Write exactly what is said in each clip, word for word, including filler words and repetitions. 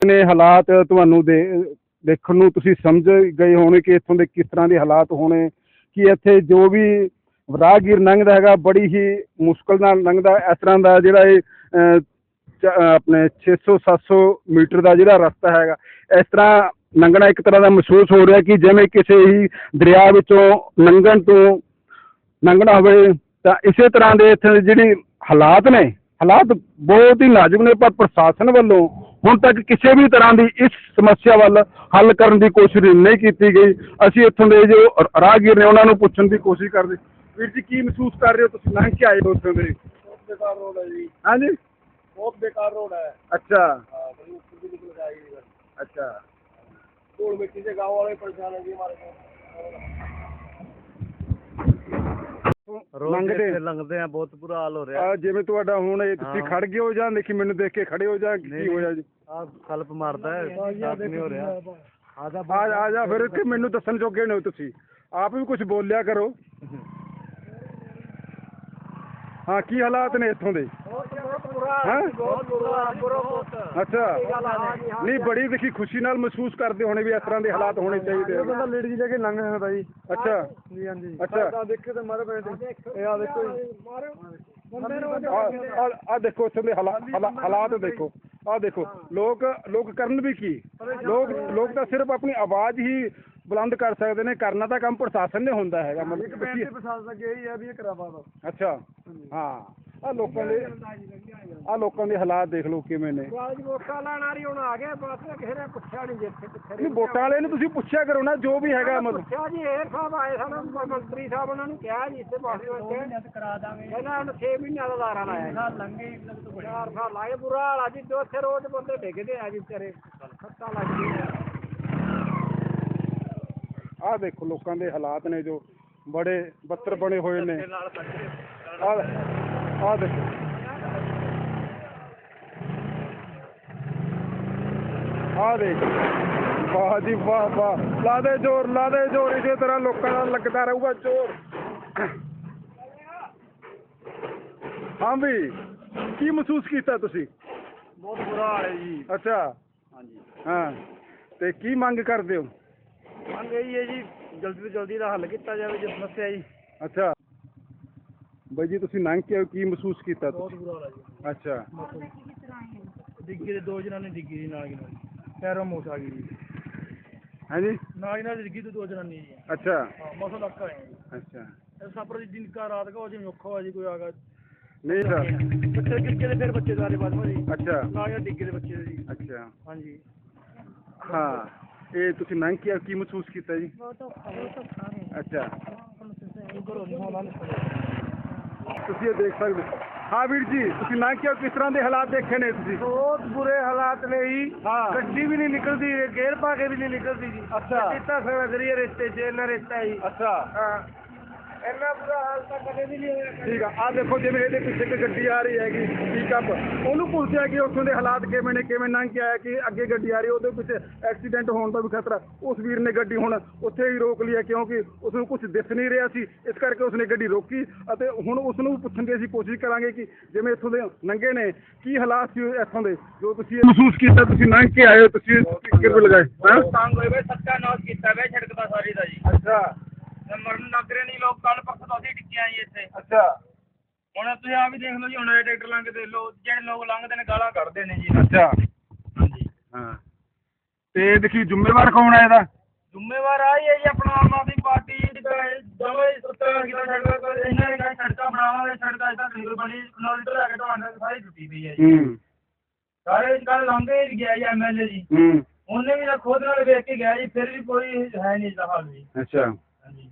ਨੇ ਹਾਲਾਤ ਤੁਹਾਨੂੰ ਦੇ ਦੇਖਣ ਨੂੰ ਤੁਸੀਂ ਸਮਝ ਗਏ ਹੋਣੇ ਕਿ ਇੱਥੋਂ ਦੇ ਕਿਸ ਤਰ੍ਹਾਂ ਦੇ ਹਾਲਾਤ ਹੋਣੇ, ਕਿ ਇੱਥੇ ਜੋ ਵੀ ਰਾਹਗੀਰ ਲੰਘਦਾ ਹੈਗਾ ਬੜੀ ਹੀ ਮੁਸ਼ਕਲ ਨਾਲ ਲੰਘਦਾ। ਇਸ ਤਰ੍ਹਾਂ ਦਾ ਜਿਹੜਾ ਇਹ ਅਹ, ਚ- ਅਹ, ਆਪਣੇ ਛੇ ਸੌ ਸੱਤ ਸੌ ਮੀਟਰ ਦਾ ਜਿਹੜਾ ਰਸਤਾ ਹੈਗਾ, ਇਸ ਤਰ੍ਹਾਂ ਲੰਘਣਾ ਇੱਕ ਤਰ੍ਹਾਂ ਦਾ ਮਹਿਸੂਸ ਹੋ ਰਿਹਾ ਕਿ ਜਿਵੇਂ ਕਿਸੇ ਹੀ ਦਰਿਆ ਵਿੱਚੋਂ ਲੰਘਣ ਤੋਂ ਲੰਘਣਾ ਹੋਵੇ। ਤਾਂ ਇਸੇ ਤਰ੍ਹਾਂ ਦੇ ਇੱਥੇ ਦੇ ਜਿਹੜੇ ਹਾਲਾਤ ਨੇ, ਹਾਲਾਤ ਬਹੁਤ ਹੀ ਨਾਜ਼ੁਕ ਨੇ, ਪਰ ਪ੍ਰਸ਼ਾਸਨ ਵੱਲੋਂ ਹੁਣ ਤੱਕ ਕਿਸੇ ਵੀ ਤਰ੍ਹਾਂ ਦੀ ਇਸ ਸਮੱਸਿਆ ਵੱਲ ਹੱਲ ਕਰਨ ਦੀ ਕੋਸ਼ਿਸ਼ ਨਹੀਂ ਕੀਤੀ ਗਈ। ਅਸੀਂ ਇੱਥੋਂ ਦੇ ਜੋ ਰਾਹਗੀਰ ਨੇ ਉਹਨਾਂ ਨੂੰ ਪੁੱਛਣ ਦੀ ਕੋਸ਼ਿਸ਼ ਕਰਦੇ। ਵੀਰ ਜੀ, ਕੀ ਮਹਿਸੂਸ ਕਰ ਰਹੇ ਹੋ ਤੁਸੀਂ ਲੰਘ ਕੇ ਆਏ ਹੋ ਉੱਥੋਂ ਦੇ? बहुत बेकार रोड है जी। ਹਾਂਜੀ, बहुत बेकार रोड है। ਅੱਛਾ हाँ, बड़ी ऊपर भी निकल जाएगी इधर। ਅੱਛा धूल मिट्टी से गाँव वाले परेशान है जी हमारे को। ਲੰਘਦੇ लंघते हैं, बहुत बुरा हाल हो रहा ਆ ਜਿਵੇਂ ਤੁਹਾਡਾ ਹੁਣ ਇਹ ਤੁਸੀਂ ਹਾਂ। ਖੜ ਗਏ ਹੋ ਜਾਂ ਦੇਖੀ ਮੈਨੂੰ ਦੇਖ ਕੇ ਖੜੇ ਹੋ ਜਾਂ ਕੀ ਹੋਇਆ ਜੀ? है। कल्प मारता है, साथ नहीं हो रहा। आधा ਆ ਆ ਜਾ ਫਿਰ ਕਿ ਮੈਨੂੰ ਦੱਸਣ ਜੋਗੇ ਨੇ ਤੁਸੀਂ, ਆਪ ਵੀ ਕੁਝ ਬੋਲਿਆ ਕਰੋ। ਹਾਂ, ਕੀ ਹਾਲਾਤ ਨੇ ਇੱਥੋਂ ਦੇ? ਹੈਂ? बहुत बुरा बुरा बहुत। ਅੱਛਾ, ਨਹੀਂ ਬੜੀ ਦੇਖੀ ਖੁਸ਼ੀ ਨਾਲ ਮਹਿਸੂਸ ਕਰਦੇ ਹੋਣੇ ਵੀ ਇਸ ਤਰ੍ਹਾਂ ਦੇ ਹਾਲਾਤ ਹੋਣੇ ਚਾਹੀਦੇ ਆ। ਬੰਦਾ ਲੇਡੀ ਲੈ ਕੇ ਲੰਘ ਜਾਂਦਾ ਜੀ। ਅੱਛਾ ਜੀ ਹਾਂਜੀ। ਅੱਛਾ, ਦੇਖੇ ਤੇ ਮਾਰੇ ਪਏ ਤੇ ਇਹ ਆ ਦੇਖੋ ਜੀ। ਆ ਆ ਦੇਖੋ ਇੱਥੋਂ ਦੇ ਹਾਲਾਤ ਹਾਲਾ- ਹਾਲਾਤ ਦੇਖੋ, ਆ ਦੇਖੋ ਲੋਕ ਲੋਕ ਕਰਨ ਵੀ ਕੀ, ਲੋਕ ਲੋਕ ਤਾਂ ਸਿਰਫ ਆਪਣੀ ਆਵਾਜ਼ ਹੀ ਬੁਲੰਦ ਕਰ ਸਕਦੇ ਨੇ, ਕਰਨਾ ਤਾਂ ਕੰਮ ਪ੍ਰਸ਼ਾਸਨ ਨੇ ਹੁੰਦਾ ਹੈਗਾ। ਮਤਲਬ ਕਿ ਪ੍ਰਸ਼ਾਸਨ ਦਾ ਇਹੀ ਹੈ ਵੀ ਇਹ ਕਰਾਵਾ ਦੋ। ਅੱਛਾ, ਹਾਂ, ਆ ਲੋਕਾਂ ਦੇ ਆ ਲੋਕਾਂ ਦੇ ਹਾਲਾਤ ਦੇਖ ਲਓ ਕਿਵੇਂ ਨੇ। ਵੋਟਾਂ ਲੈਣ ਆ ਰਹੀ ਹੁਣ ਆ ਗਏ, ਬਸ ਕਿਸੇ ਨੇ ਪੁੱਛਿਆ ਨਹੀਂ ਜਿੱਥੇ ਕਿੱਥੇ ਨਹੀਂ, ਵੋਟਾਂ ਵਾਲੇ ਨੂੰ ਤੁਸੀਂ ਪੁੱਛਿਆ ਕਰੋ ਨਾ ਜੋ ਵੀ ਹੈਗਾ। ਮਤਲਬ ਪੁੱਛਿਆ ਜੀ, ਏਅਰ ਸਾਹਿਬ ਆਏ ਸਨ, ਮੰਤਰੀ ਸਾਹਿਬ ਉਹਨਾਂ ਨੂੰ ਕਿਹਾ ਜੀ ਇੱਥੇ ਬਾਕੀ ਵਾਸਤੇ ਕਰਾ ਦਾਂਗੇ। ਇਹਨਾਂ ਹੁਣ ਛੇ ਮਹੀਨਿਆਂ ਦਾ ਦਾਰਾ ਲਾਇਆ। ਸਾਲ ਲੰਘੇ, ਚਾਰ ਸਾਲ ਲਾਏ, ਬੁਰਾ ਹਾਲ ਆ ਜੀ। ਜੋ ਇੱਥੇ ਰੋਜ਼ ਬੰਦੇ ਡਿੱਗਦੇ ਆ ਜੀ ਵਿਚਾਰੇ, ਖੱਤਾ ਲੱਗਦੀ ਹੈ। ਆਹ ਦੇਖੋ ਲੋਕਾਂ ਦੇ ਹਾਲਾਤ ਨੇ ਜੋ ਬੜੇ ਬੱਤਰ ਬਣੇ ਹੋਏ ਨੇ। ਆਹ ਆਹ ਦੇਖੋ, ਆਹ ਦੇਖ, ਵਾਹ ਜੀ ਵਾਹ ਵਾਹ, ਲਾ ਦੇ ਜ਼ੋਰ, ਲਾ ਦੇ ਜ਼ੋਰ, ਇਸੇ ਤਰ੍ਹਾਂ ਲੋਕਾਂ ਦਾ ਲੱਗਦਾ ਰਹੂਗਾ ਜ਼ੋਰ। ਹਾਂ ਵੀ, ਕੀ ਮਹਿਸੂਸ ਕੀਤਾ ਤੁਸੀਂ? ਬਹੁਤ ਬੁਰਾ ਹਾਲ ਹੈ ਜੀ। ਅੱਛਾ, ਹਾਂਜੀ, ਹਾਂ, ਤੇ ਕੀ ਮੰਗ ਕਰਦੇ ਹੋ? ਮੰਗ ਇਹੀ ਹੈ ਜੀ, ਜਲਦੀ ਤੋਂ ਜਲਦੀ ਦਾ ਹੱਲ ਕੀਤਾ ਜਾਵੇ ਜੀ ਸਮੱਸਿਆ ਜੀ। ਅੱਛਾ ਬਾਈ ਜੀ, ਤੁਸੀਂ ਲੰਘ ਕੇ ਕੀ ਮਹਿਸੂਸ ਕੀਤਾ ਬਹੁਤ ਤੁਸੀਂ? ਬੁਰਾ ਹਾਲ ਹੈ ਜੀ। ਅੱਛਾ, ਡਿੱਗੀ ਦੇ ਦੋ ਜਣਾਂ ਨੇ ਡਿੱਗੀ ਜੀ ਨਾਲ ਹੀ ਨਾਲ, ਪੈਰੋਂ ਮੋਚ ਆ ਗਈ ਜੀ। ਹਾਂਜੀ, ਨਾਲ ਹੀ ਨਾਲ ਡਿੱਗੀ ਤੇ ਦੋ ਜਣਾਂ ਨੇ ਜੀ। ਅੱਛਾ ਹਾਂ, ਮਸਾ ਲੱਗਾ ਹੈ ਜੀ। ਅੱਛਾ, ਇਹ ਸਫਰ ਦੀ ਦਿਨ ਕਾ ਰਾਤ ਕਾ ਹੋ ਜਿਵੇਂ ਔਖਾ ਹੋਇਆ ਜੀ, ਕੋਈ ਆ ਗਿਆ ਨਹੀਂ ਸਰ, ਬੱਚੇ ਡਿੱਗੇ ਦੇ, ਫਿਰ ਬੱਚੇ ਸਾਰੇ ਬਾਅਦ ਜੀ। ਅੱਛਾ ਨਾਲ ਹੀ ਡਿੱਗੇ ਦੇ ਬੱਚੇ ਦੇ ਜੀ। ਅੱਛਾ, ਹਾਂਜੀ, ਹਾਂ, ਇਹ ਤੁਸੀਂ ਲੰਘ ਕੇ ਕੀ ਮਹਿਸੂਸ ਕੀਤਾ ਜੀ? ਬਹੁਤ ਔਖਾ ਬਹੁਤ ਔਖਾ ਹੈ। ਅੱਛਾ, ਘਰੋਂ ਨਹੀਂ ਆਉਣਾ ਤੁਸੀਂ ਇਹ ਦੇਖ ਸਕਦੇ ਹੋ। ਹਾਂ ਵੀਰ ਜੀ, ਤੁਸੀਂ ਲੰਘ ਕੇ ਕਿਸ ਤਰ੍ਹਾਂ ਦੇ ਹਾਲਾਤ ਦੇਖੇ ਨੇ ਤੁਸੀਂ? ਬਹੁਤ ਬੁਰੇ ਹਾਲਾਤ ਨੇ ਜੀ। ਹਾਂ। ਗੱਡੀ ਵੀ ਨਹੀਂ ਨਿਕਲਦੀ, ਗੇਅਰ ਪਾ ਕੇ ਵੀ ਨਹੀਂ ਨਿਕਲਦੀ ਜੀ। ਅੱਛਾ। ਕਿਤਾ ਸੜਾ ਕਰੀਏ ਰਿਸ਼ਤੇ 'ਚ, ਇੰਨਾ ਰਿਸ਼ਤਾ ਹੈ ਜੀ। ਅੱਛਾ, ਹਾਂ, ਇੰਨਾ ਬੁਰਾ ਹਾਲ ਤਾਂ ਕਦੇ ਵੀ ਨਹੀਂ ਹੋਇਆ। ਠੀਕ ਆ। ਆਹ ਦੇਖੋ ਜਿਵੇਂ ਇਹਦੇ ਪਿੱਛੇ ਇੱਕ ਗੱਡੀ ਆ ਰਹੀ ਹੈਗੀ ਪਿਕਅਪ, ਉਹਨੂੰ ਪੁੱਛਿਆ ਕਿ ਉੱਥੋਂ ਦੇ ਹਾਲਾਤ ਕਿਵੇਂ ਨੇ, ਕਿਵੇਂ ਲੰਘ ਕੇ ਆਇਆ, ਕਿ ਅੱਗੇ ਗੱਡੀ ਆ ਰਹੀ ਉਹਦੇ ਪਿੱਛੇ ਐਕਸੀਡੈਂਟ ਹੋਣ ਦਾ ਵੀ ਖਤਰਾ। ਉਸ ਵੀਰ ਨੇ ਗੱਡੀ ਹੁਣ ਉੱਥੇ ਹੀ ਰੋਕ ਲਈ ਹੈ ਕਿਉਂਕਿ ਉਸ ਨੂੰ ਕੁਝ ਦਿਸ ਨਹੀਂ ਰਿਹਾ ਸੀ, ਇਸ ਕਰਕੇ ਉਸਨੇ ਗੱਡੀ ਰੋਕੀ। ਅਤੇ ਹੁਣ ਉਸ ਨੂੰ ਪੁੱਛਣ ਦੀ ਅਸੀਂ ਕੋਸ਼ਿਸ਼ ਕਰਾਂਗੇ ਕਿ ਜਿਵੇਂ ਇੱਥੋਂ ਦੇ ਲੰਘੇ ਨੇ ਕੀ ਹਾਲਾਤ ਸੀ ਇੱਥੋਂ ਦੇ, ਜੋ ਤੁਸੀਂ ਮਹਿਸੂਸ ਕੀਤਾ। ਤੁਸੀਂ ਲੰਘ ਕੇ ਆਏ ਹੋ, ਤੁਸੀਂ ਕਿਵੇਂ ਲਗਾਏ? ਹੈਂ? ਤੰਗ ਹੋਏ ਵੇ, ਸੱਚਾ ਕੀਤਾ ਵੇ ਸੜਕ ਦਾ ਸਾਰੀ ਦਾ ਜੀ। ਅੱਛਾ ਮਰਨ ਲੱਗ ਰਹੇ ਨਹੀਂ ਲੋਕ, ਕੱਲ ਪਰਸੋਂ ਤੋਂ ਅਸੀਂ ਟਿੱਕੀਆਂ ਜੀ ਇੱਥੇ। ਅੱਛਾ ਹੁਣ ਤੁਸੀਂ ਆ ਵੀ ਦੇਖ ਲਓ ਜੀ, ਹੁਣ ਇਹ ਟਰੈਕਟਰ ਲੰਘਦੇ ਲੋਕ, ਜਿਹੜੇ ਲੋਕ ਲੰਘਦੇ ਨੇ ਗਾਲਾਂ ਕੱਢਦੇ ਨੇ ਜੀ। ਅੱਛਾ, ਹਾਂਜੀ, ਹਾਂ, ਤੇ ਦੇਖੀ ਜ਼ਿੰਮੇਵਾਰ ਕੌਣ ਹੈ ਇਹਦਾ? ਜ਼ਿੰਮੇਵਾਰ ਆ ਹੀ ਹੈ ਜੀ ਆਪਣਾ ਆਮ ਆਦਮੀ ਪਾਰਟੀ। ਜਮੇ ਸੁੱਤਾ ਕੀਤਾ ਸੜਕਾਂ, ਇਹਨਾਂ ਨੇ ਕਿਹਾ ਸੜਕਾਂ ਬਣਾਵਾਂਗੇ, ਸੜਕਾਂ ਇਦਾਂ ਸਿੰਗਲ ਬਣੀ, ਕਿਲੋਮੀਟਰ ਲੈ ਕੇ ਤੁਹਾਡੇ ਸਾਰੀ ਟੁੱਟੀ ਪਈ ਹੈ ਜੀ। ਹੂੰ, ਸਾਰੇ ਕੱਲ ਲੰਘੇ ਹੀ ਗਿਆ ਜੀ ਐਮ ਐਲ ਏ ਜੀ, ਹੂੰ, ਉਹਨੇ ਵੀ ਤਾਂ ਖੁਦ ਨਾਲ ਵੇਖ ਕੇ ਗਿਆ ਜੀ, ਫਿਰ ਵੀ ਕੋਈ ਹੈ ਨਹੀਂ ਇਸਦਾ ਹਾਲ ਜੀ। ਅੱਛਾ, ਹਾਂਜੀ,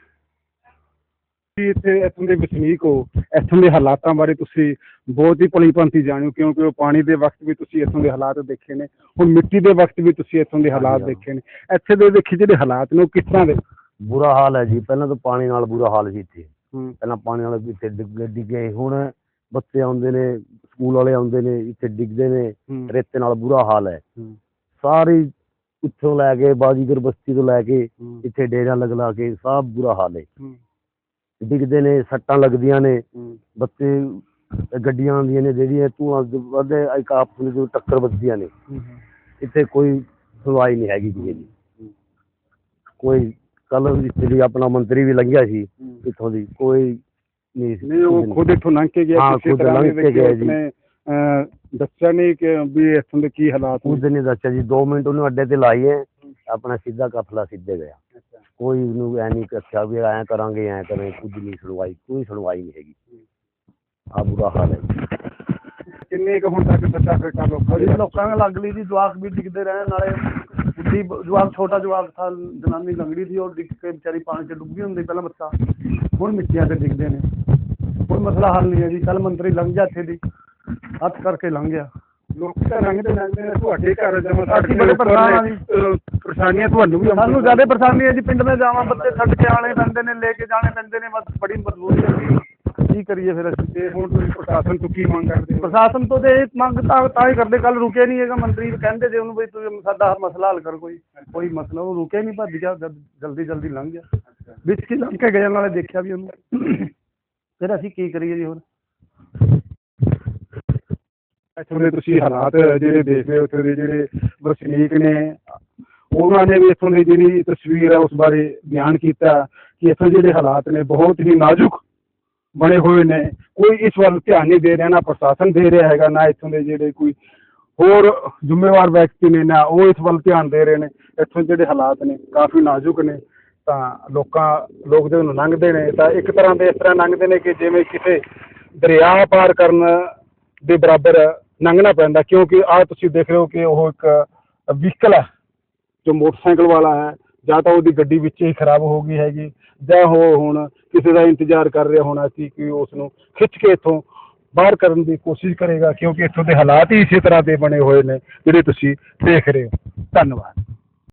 ਤੁਸੀਂ ਇੱਥੇ ਇੱਥੋਂ ਦੇ ਵਸਨੀਕ ਹੋ, ਇੱਥੋਂ ਦੇ ਹਾਲਾਤਾਂ ਬਾਰੇ ਤੁਸੀਂ ਬਹੁਤ ਹੀ ਭਲੀ ਭਾਂਤੀ ਜਾਣੋ, ਕਿਉਂਕਿ ਉਹ ਪਾਣੀ ਦੇ ਵਕਤ ਵੀ ਤੁਸੀਂ ਇੱਥੋਂ ਦੇ ਹਾਲਾਤ ਦੇਖੇ ਨੇ, ਹੁਣ ਮਿੱਟੀ ਦੇ ਵਕਤ ਵੀ ਤੁਸੀਂ ਇੱਥੋਂ ਦੇ ਹਾਲਾਤ ਦੇਖੇ ਨੇ। ਇੱਥੇ ਦੇ ਦੇਖੇ ਜਿਹੜੇ ਹਾਲਾਤ ਨੇ ਉਹ ਕਿਸ ਤਰ੍ਹਾਂ ਦੇ? ਬੁਰਾ ਹਾਲ ਹੈ ਜੀ। ਪਹਿਲਾਂ ਤਾਂ ਪਾਣੀ ਨਾਲ ਬੁਰਾ ਹਾਲ ਸੀ ਇੱਥੇ। ਹੂੰ, ਪਹਿਲਾਂ ਪਾਣੀ ਨਾਲ ਇੱਥੇ ਡਿੱਗ ਡਿੱਗੇ, ਹੁਣ ਬੱਚੇ ਆਉਂਦੇ ਨੇ, ਸਕੂਲ ਵਾਲੇ ਆਉਂਦੇ ਨੇ, ਇੱਥੇ ਡਿੱਗਦੇ ਨੇ, ਹੂੰ, ਰੇਤੇ ਨਾਲ ਬੁਰਾ ਹਾਲ ਹੈ। ਹੂੰ, ਸਾਰੀ ਉੱਥੋਂ ਲੈ ਕੇ ਬਾਜੀਗਰ ਬਸਤੀ ਤੋਂ ਲੈ ਕੇ ਹੂੰ, ਇੱਥੇ ਡੇਰਾ ਲਗ ਲਾ ਕੇ ਸਭ ਬੁਰਾ ਹਾਲ ਹੈ। ਹੂੰ, ਡਿੱਗਦੇ ਨੇ, ਸੱਟਾਂ ਲੱਗਦੀਆਂ ਨੇ, ਹੂੰ, ਬੱਚੇ ਗੱਡੀਆਂ ਆਉਂਦੀਆਂ ਨੇ ਜਿਹੜੀਆਂ ਧੂਆਂ ਵੱਧਦੇ, ਇੱਕ ਆਪਸ ਵਿੱਚ ਟੱਕਰ ਵੱਜਦੀਆਂ ਨੇ। ਹੂੰ, ਇੱਥੇ ਕੋਈ ਸੁਣਵਾਈ ਨਹੀਂ ਹੈਗੀ ਕਿਸੇ ਦੀ। ਕੋਈ ਕੱਲ ਜਿਹੜੀ ਆਪਣਾ ਮੰਤਰੀ ਵੀ ਲੰਘਿਆ ਸੀ ਇੱਥੋਂ ਦੀ, ਕੋਈ ਨਹੀਂ ਨਹੀਂ ਉਹ ਖੁਦ ਇੱਥੋਂ ਲੰਘ ਕੇ ਗਿਆ, ਹਾਂ, ਕਿਸੇ ਖੁਦ ਤਰ੍ਹਾਂ ਲੰਘ ਦੇ ਕੇ ਗਿਆ ਜੀ। ਉਸਨੇ, ਅਹ, ਦੱਸਿਆ ਨਹੀਂ ਕਿ ਵੀ ਇੱਥੋਂ ਦੇ ਕੀ ਹਾਲਾਤ ਨੇ? ਕੁਝ ਨਹੀਂ ਦੱਸਿਆ ਜੀ, ਦੋ ਮਿੰਟ ਉਹਨੂੰ ਅੱਡੇ ਤੇ ਲਾਈਏ ਆਪਣਾ ਸਿੱਧਾ ਕਫਲਾ ਸਿੱਧੇ ਗਿਆ। ਕੋਈ ਉਹਨੂੰ ਐ ਨਹੀਂ ਦੱਸਿਆ ਵੀ ਐਂ ਕਰਾਂਗੇ ਐਂ ਕਰਾਂਗੇ, ਕੁਝ ਨਹੀਂ ਸੁਣਵਾਈ, ਕੋਈ ਸੁਣਵਾਈ ਨਹੀਂ ਹੈਗੀ। ਆ ਬੁਰਾ ਹਾਲ ਹੈ। ਕਿੰਨੇ ਕੁ ਹੁਣ ਤੱਕ ਸੱਚਾ ਫੇਟਾ ਲੋਕਾਂ ਦੀ? ਲੋਕਾਂ ਨੂੰ ਲੱਗ ਲਈ ਜੀ, ਜਵਾਕ ਵੀ ਡਿੱਗਦੇ ਰਹੇ, ਨਾਲੇ ਬੁੱਢੀ ਜਵਾਕ, ਛੋਟਾ ਜਵਾਕ ਥਾ, ਜਨਾਨੀ ਲੰਗੜੀ ਸੀ, ਉਹ ਡਿੱਗ ਕੇ ਵਿਚਾਰੀ ਪਾਣੀ 'ਚ ਡੁੱਬੀ ਹੁੰਦੀ ਪਹਿਲਾਂ ਬੱਚਾ, ਹੁਣ ਮਿੱਟੀਆਂ ਤੇ ਡਿੱਗਦੇ ਨੇ। ਕੋਈ ਮਸਲਾ ਹੱਲ ਨਹੀਂ ਹੈ ਜੀ। ਕੱਲ ਮੰਤਰੀ ਲੰਘ ਗਿਆ ਇੱਥੇ ਦੀ, ਹੱਥ ਕਰਕੇ ਲੰਘ ਗਿਆ। ਲੋਕ ਤਾਂ ਲੰਘਦੇ ਲੰਘਦੇ ਨੇ, ਤੁਹਾਡੇ ਘਰ ਜਮਾ ਅਸੀਂ ਬੜੇ ਪਰੇਸ਼ਾਨ ਹਾਂ ਜੀ। ਪਰੇਸ਼ਾਨੀਆਂ ਤੁਹਾਨੂੰ ਵੀ ਸਾਨੂੰ ਜ਼ਿਆਦਾ ਪਰੇਸ਼ਾਨੀ ਹੈ ਜੀ, ਪਿੰਡ में ਜਾਵਾਂ ਬੱਚੇ ਛੱਡ ਕੇ ਆਉਣੇ ਪੈਂਦੇ ਨੇ, ਲੈ ਕੇ ਜਾਣੇ ਪੈਂਦੇ ਨੇ, ਬਸ ਬੜੀ ਮਜਬੂਰੀ ਹੈ ਜੀ। ਕੀ ਕਰੀਏ ਫਿਰ ਅਸੀਂ? ਤੇ ਹੁਣ ਤੁਸੀਂ ਪ੍ਰਸ਼ਾਸਨ ਤੋਂ ਕੀ ਮੰਗ ਕਰਦੇ ਹੋ? ਪ੍ਰਸ਼ਾਸਨ ਤੋਂ ਤੇ ਇਹ ਮੰਗ ਤਾਂ ਤਾਂ ਹੀ ਕਰਦੇ, ਕੱਲ ਰੁਕੇ ਨਹੀਂ ਹੈਗਾ ਮੰਤਰੀ, ਕਹਿੰਦੇ ਜੇ ਉਹਨੂੰ ਵੀ ਤੂੰ ਸਾਡਾ ਮਸਲਾ ਹੱਲ ਕਰ, ਕੋਈ ਕੋਈ ਮਸਲਾ, ਉਹ ਰੁਕੇ ਨਹੀਂ, ਭੱਜ ਗਿਆ, ਜਲਦੀ ਜਲਦੀ ਲੰਘ ਗਿਆ। ਵਿੱਚ ਕੀ ਲੰਘ ਕੇ ਗਏ, ਨਾਲੇ ਦੇਖਿਆ ਵੀ ਉਹਨੂੰ। ਫਿਰ ਅਸੀਂ ਕੀ ਕਰੀਏ ਜੀ ਹੁਣ? ਇੱਥੋਂ ਦੇ ਤੁਸੀਂ ਹਾਲਾਤ ਜਿਹੜੇ ਦੇਖ ਰਹੇ ਹੋ, ਉੱਥੇ ਦੇ ਜਿਹੜੇ ਵਸਨੀਕ ਨੇ, ਉਹਨਾਂ ਨੇ ਵੀ ਇੱਥੋਂ ਦੀ ਜਿਹੜੀ ਤਸਵੀਰ ਹੈ ਉਸ ਬਾਰੇ ਬਿਆਨ ਕੀਤਾ ਕਿ ਇੱਥੋਂ ਜਿਹੜੇ ਹਾਲਾਤ ਨੇ ਬਹੁਤ ਹੀ ਨਾਜ਼ੁਕ ਬਣੇ ਹੋਏ ਨੇ। ਕੋਈ ਇਸ ਵੱਲ ਧਿਆਨ ਨਹੀਂ ਦੇ ਰਿਹਾ, ਨਾ ਪ੍ਰਸ਼ਾਸਨ ਦੇ ਰਿਹਾ ਹੈਗਾ, ਨਾ ਇੱਥੋਂ ਦੇ ਜਿਹੜੇ ਕੋਈ ਹੋਰ ਜ਼ਿੰਮੇਵਾਰ ਵਿਅਕਤੀ ਨੇ, ਨਾ ਉਹ ਇਸ ਵੱਲ ਧਿਆਨ ਦੇ ਰਹੇ ਨੇ। ਇੱਥੋਂ ਜਿਹੜੇ ਹਾਲਾਤ ਨੇ ਕਾਫੀ ਨਾਜ਼ੁਕ ਨੇ, ਤਾਂ ਲੋਕਾਂ ਲੋਕ ਜਦੋਂ ਲੰਘਦੇ ਨੇ ਤਾਂ ਇੱਕ ਤਰ੍ਹਾਂ ਦੇ ਇਸ ਤਰ੍ਹਾਂ ਲੰਘਦੇ ਨੇ ਕਿ ਜਿਵੇਂ ਕਿਸੇ ਦਰਿਆ ਪਾਰ ਕਰਨ ਦੇ ਬਰਾਬਰ ਲੰਘਣਾ ਪੈਂਦਾ, ਕਿਉਂਕਿ ਆਹ ਤੁਸੀਂ ਦੇਖ ਰਹੇ ਹੋ ਕਿ ਉਹ ਇੱਕ ਵਹੀਕਲ ਹੈ ਜੋ ਮੋਟਰਸਾਈਕਲ ਵਾਲਾ ਹੈ, ਜਾਂ ਤਾਂ ਉਹਦੀ ਗੱਡੀ ਵਿੱਚ ਹੀ ਖਰਾਬ ਹੋ ਗਈ ਹੈਗੀ, ਜਾਂ ਉਹ ਹੁਣ ਕਿਸੇ ਦਾ ਇੰਤਜ਼ਾਰ ਕਰ ਰਿਹਾ ਹੋਣਾ ਸੀ ਕਿ ਉਸ ਨੂੰ ਖਿੱਚ ਕੇ ਇੱਥੋਂ ਬਾਹਰ ਕਰਨ ਦੀ ਕੋਸ਼ਿਸ਼ ਕਰੇਗਾ, ਕਿਉਂਕਿ ਇੱਥੋਂ ਦੇ ਹਾਲਾਤ ਹੀ ਇਸੇ ਤਰ੍ਹਾਂ ਦੇ ਬਣੇ ਹੋਏ ਨੇ ਜਿਹੜੇ ਤੁਸੀਂ ਦੇਖ ਰਹੇ ਹੋ। ਧੰਨਵਾਦ।